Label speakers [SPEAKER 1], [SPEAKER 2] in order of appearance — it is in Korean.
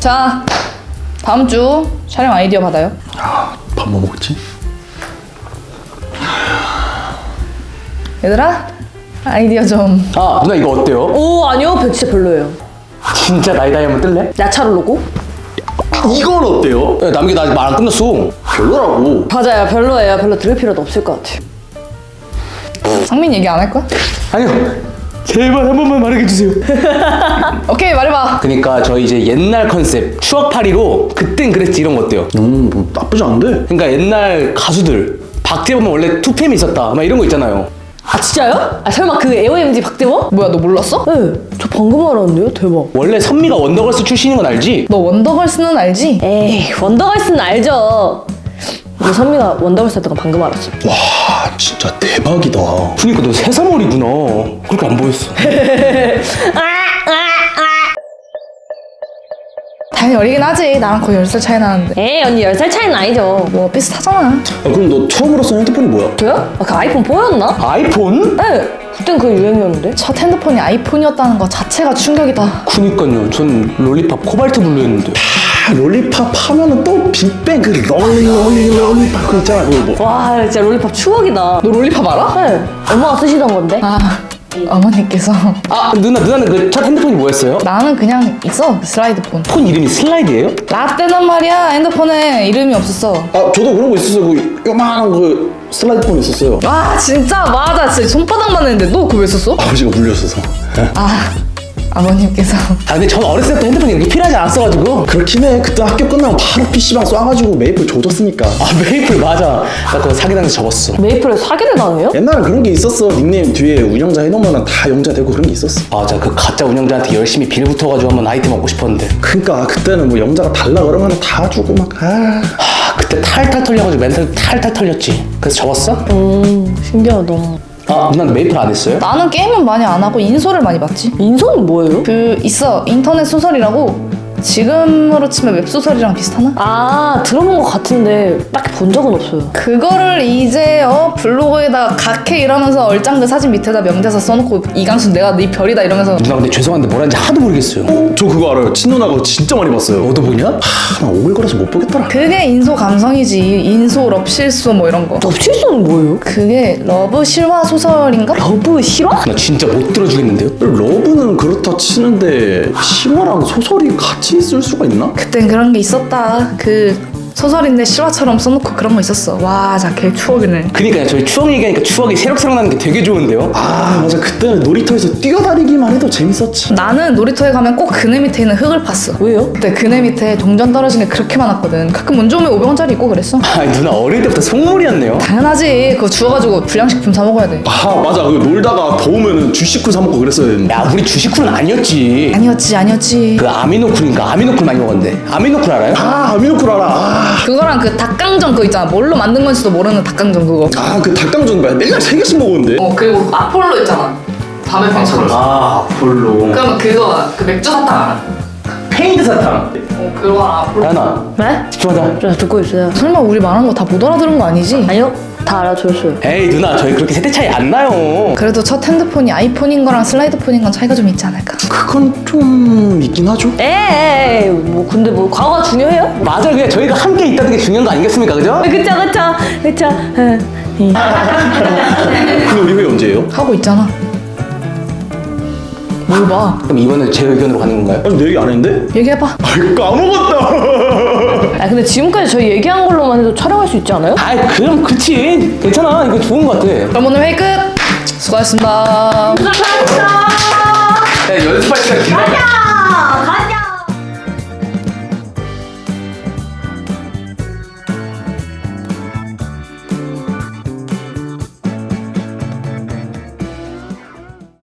[SPEAKER 1] 자, 다음 주 촬영 아이디어 받아요.
[SPEAKER 2] 밥 뭐 먹지?
[SPEAKER 1] 얘들아, 아이디어 좀.
[SPEAKER 3] 아 누나 이거 어때요?
[SPEAKER 4] 오 아니요 진짜 별로예요.
[SPEAKER 3] 진짜 나이다이 한번 뜰래?
[SPEAKER 4] 야차를 로고?
[SPEAKER 2] 이건 어때요?
[SPEAKER 3] 야, 남기 나 아직 말 안 끝났어.
[SPEAKER 2] 별로라고.
[SPEAKER 4] 맞아요 별로예요. 별로 들을 필요도 없을 것 같아요.
[SPEAKER 1] 상민 얘기 안 할 거야?
[SPEAKER 3] 아니요. 제발 한 번만 말해주세요.
[SPEAKER 1] 오케이, 말해봐.
[SPEAKER 3] 그러니까 저희 이제 옛날 컨셉 추억팔이로 그땐 그랬지 이런 거 어때요?
[SPEAKER 2] 뭐 나쁘지 않은데?
[SPEAKER 3] 그러니까 옛날 가수들 박재범은 원래 투팸이 있었다 막 이런 거 있잖아요.
[SPEAKER 4] 아 진짜요? 아 설마 그 AOMG 박대범?
[SPEAKER 1] 뭐야, 너 몰랐어?
[SPEAKER 4] 네저 방금 알았는데요. 대박.
[SPEAKER 3] 원래 선미가 원더걸스 출신인 건 알지?
[SPEAKER 1] 너 원더걸스는 알지?
[SPEAKER 4] 에이 원더걸스는 알죠. 우리 선미가 원더걸스 했던 건 방금 알았어.
[SPEAKER 2] 와 진짜 대박이다.
[SPEAKER 3] 그니까 너 새사머리구나. 그렇게 안 보였어.
[SPEAKER 1] 당연히 어리긴 하지. 나랑 거의 10살 차이 나는데.
[SPEAKER 4] 에이 언니 10살 차이는 아니죠.
[SPEAKER 1] 뭐 비슷하잖아.
[SPEAKER 2] 그럼 너 처음으로 쓴 핸드폰이 뭐야?
[SPEAKER 4] 저요? 아, 그 아이폰 4였나?
[SPEAKER 3] 아이폰?
[SPEAKER 4] 네 그땐 그 유행이었는데.
[SPEAKER 1] 첫 핸드폰이 아이폰이었다는 거 자체가 충격이다.
[SPEAKER 3] 그니까요. 전 롤리팝 코발트 블루였는데.
[SPEAKER 2] 롤리팝 하면은 또 빅뱅 그 롤리팝 그 있잖아 그거 뭐.
[SPEAKER 4] 와 진짜 롤리팝 추억이다.
[SPEAKER 1] 너 롤리팝 알아?
[SPEAKER 4] 네 엄마가 쓰시던 건데.
[SPEAKER 1] 아, 어머니께서.
[SPEAKER 3] 아 누나는 그 첫 핸드폰이 뭐였어요?
[SPEAKER 1] 나는 그냥 있어, 그 슬라이드폰.
[SPEAKER 3] 폰 이름이 슬라이드예요?
[SPEAKER 1] 라떼단 말이야. 핸드폰에 이름이 없었어.
[SPEAKER 2] 아 저도 그런 거 있었어요. 그 요만한 그 슬라이드폰 있었어요.
[SPEAKER 1] 와, 진짜 맞아. 진짜 손바닥만 했는데 너 그거 왜 썼어?
[SPEAKER 2] 아버지가 물렸어서.
[SPEAKER 1] 아, 아버님께서.
[SPEAKER 3] 아 근데 전 어렸을 때부터 핸드폰이 이렇게 필요하지 않았어가지고.
[SPEAKER 2] 그렇긴 해. 그때 학교 끝나면 바로 PC방 쏴가지고 메이플 조졌으니까.
[SPEAKER 3] 아 메이플 맞아. 나 그거 사기당해서 접었어.
[SPEAKER 4] 메이플에 사기를 당해요?
[SPEAKER 2] 옛날에 그런 게 있었어. 닉네임 뒤에 운영자 해놓으면 다 영자 되고 그런 게 있었어.
[SPEAKER 3] 맞아 그 가짜 운영자한테 열심히 빌 붙어가지고 한번 아이템 얻고 싶었는데.
[SPEAKER 2] 그러니까 그때는 뭐 영자가 달라 그러면 다 주고 막
[SPEAKER 3] 그때 탈탈 털려가지고 멘탈 탈탈 털렸지. 그래서 접었어?
[SPEAKER 4] 신기하다.
[SPEAKER 3] 아 누나는 메이플 안 했어요?
[SPEAKER 1] 나는 게임은 많이 안 하고 인소를 많이 봤지.
[SPEAKER 4] 인성은 뭐예요?
[SPEAKER 1] 그 있어, 인터넷 소설이라고. 지금으로 치면 웹소설이랑 비슷하나?
[SPEAKER 4] 아 들어본 것 같은데 딱히 본 적은 없어요.
[SPEAKER 1] 그거를 이제 블로그에다 각해 이러면서 얼짱들 사진 밑에다 명대사 써놓고 이강수 내가 네 별이다 이러면서.
[SPEAKER 3] 누나 근데 죄송한데 뭐라는지 하도 모르겠어요.
[SPEAKER 2] 저 그거 알아요. 친누나 그거 진짜 많이 봤어요.
[SPEAKER 3] 너도 보냐?
[SPEAKER 2] 나 오글거려서 못 보겠더라.
[SPEAKER 1] 그게 인소 감성이지. 인소, 럽실소 뭐 이런 거.
[SPEAKER 4] 럽실소는 뭐예요?
[SPEAKER 1] 그게 러브 실화 소설인가?
[SPEAKER 4] 러브 실화?
[SPEAKER 3] 나 진짜 못 들어주겠는데요?
[SPEAKER 2] 러브는 그렇다 치는데 실화랑 소설이 같이 있을 수가 있나?
[SPEAKER 1] 그땐 그런 게 있었다. 그 소설인데 실화처럼 써놓고 그런 거 있었어. 와, 자, 개 추억이네.
[SPEAKER 3] 그니까요 저희 추억 얘기하니까 추억이 새록새록 나는 게 되게 좋은데요?
[SPEAKER 2] 아 맞아. 그때는 놀이터에서 뛰어다니기만 해도 재밌었지.
[SPEAKER 1] 나는 놀이터에 가면 꼭 그네 밑에 있는 흙을 팠어.
[SPEAKER 4] 왜요?
[SPEAKER 1] 그때 그네 밑에 동전 떨어진 게 그렇게 많았거든. 가끔 운 좋으면 500원짜리 있고 그랬어.
[SPEAKER 3] 아 누나 어릴 때부터 속물이었네요.
[SPEAKER 1] 당연하지. 그거 주워가지고 불량식품 사 먹어야 돼.
[SPEAKER 2] 아 맞아. 그 놀다가 더우면은 주식구 사 먹고 그랬어야 했는데.
[SPEAKER 3] 야 우리 주식쿨은 아니었지.
[SPEAKER 1] 아니었지.
[SPEAKER 3] 그 아미노쿨인가 아미노쿨 많이 먹었는데. 아미노쿨 알아요?
[SPEAKER 2] 아 아미노쿨 알아.
[SPEAKER 1] 그거랑 그 닭강정 그거 있잖아. 뭘로 만든 건지도 모르는 닭강정 그거.
[SPEAKER 2] 아그 닭강정 맨날 3개씩 먹었는데.
[SPEAKER 1] 그리고 아폴로 있잖아. 밤의 빵처럼.
[SPEAKER 3] 아 아폴로.
[SPEAKER 1] 그러면 그거 그 맥주 사탕 알아?
[SPEAKER 3] 페인트 사탕.
[SPEAKER 1] 그거 아폴로.
[SPEAKER 3] 야나
[SPEAKER 4] 네?
[SPEAKER 3] 집중하자.
[SPEAKER 4] 저 듣고 있어요.
[SPEAKER 1] 설마 우리 말한 거 다 못 알아들은 거 아니지?
[SPEAKER 4] 아니요 다 알아들었어요.
[SPEAKER 3] 에이 누나 저희 그렇게 세대 차이 안 나요.
[SPEAKER 1] 그래도 첫 핸드폰이 아이폰인 거랑 슬라이드폰인 건 차이가 좀 있지 않을까?
[SPEAKER 2] 그건 좀 있긴 하죠.
[SPEAKER 4] 에이 뭐 근데 뭐 과거가 중요해요?
[SPEAKER 3] 맞아 그냥 저희가 함께 있다는 게 중요한 거 아니겠습니까 그죠?
[SPEAKER 4] 그쵸.
[SPEAKER 2] 근데 우리 회의 언제예요?
[SPEAKER 1] 하고 있잖아. 뭘 봐?
[SPEAKER 3] 그럼 이번에 제 의견으로 가는 건가요?
[SPEAKER 2] 아직 내 얘기 안 했는데?
[SPEAKER 1] 얘기해봐.
[SPEAKER 2] 아 까먹었다.
[SPEAKER 4] 아 근데 지금까지 저희 얘기한 걸로만 해도 촬영할 수 있지 않아요?
[SPEAKER 3] 아이 그럼 그치 괜찮아 이거 좋은 거 같아.
[SPEAKER 1] 그럼 오늘 회의 끝. 수고하셨습니다.
[SPEAKER 4] 감사합니다.
[SPEAKER 3] 야 연습할 시간